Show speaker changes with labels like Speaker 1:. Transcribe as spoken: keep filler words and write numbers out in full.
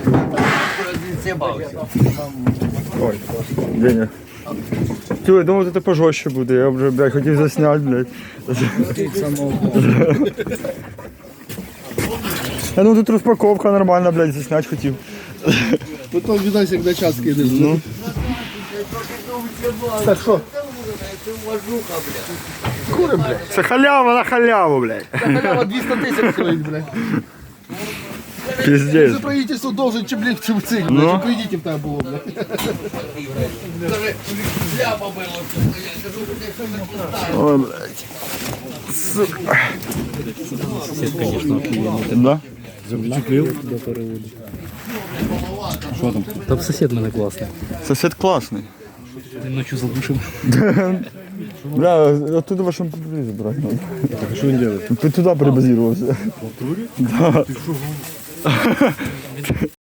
Speaker 1: Ой, Деня. Тю, я думав, це пожорстче буде, я вже, блядь, хотів засняти, блядь. Я ну тут розпаковка нормальна, блядь, засняти хотів.
Speaker 2: Потім відося, як на час кинеш. Ну. Так що? Кури, блядь.
Speaker 1: Це халява на халяву, блядь.
Speaker 2: Халява двісті тисяч стоїть, блядь.
Speaker 1: Пиздец.
Speaker 2: За правительство должен чим чим цих,
Speaker 1: Ну.
Speaker 2: блядь. Кредитів там було, блядь.
Speaker 1: Ой, блядь. Сука. Да?
Speaker 3: Що там? Там сусід мене класний.
Speaker 1: Сосед классный.
Speaker 3: Він ночі задушив.
Speaker 1: Бля, оттуда вашему прибери забрать надо.
Speaker 2: А що він робить?
Speaker 1: Ты туда перебазировался.
Speaker 2: В натурі?
Speaker 1: Да.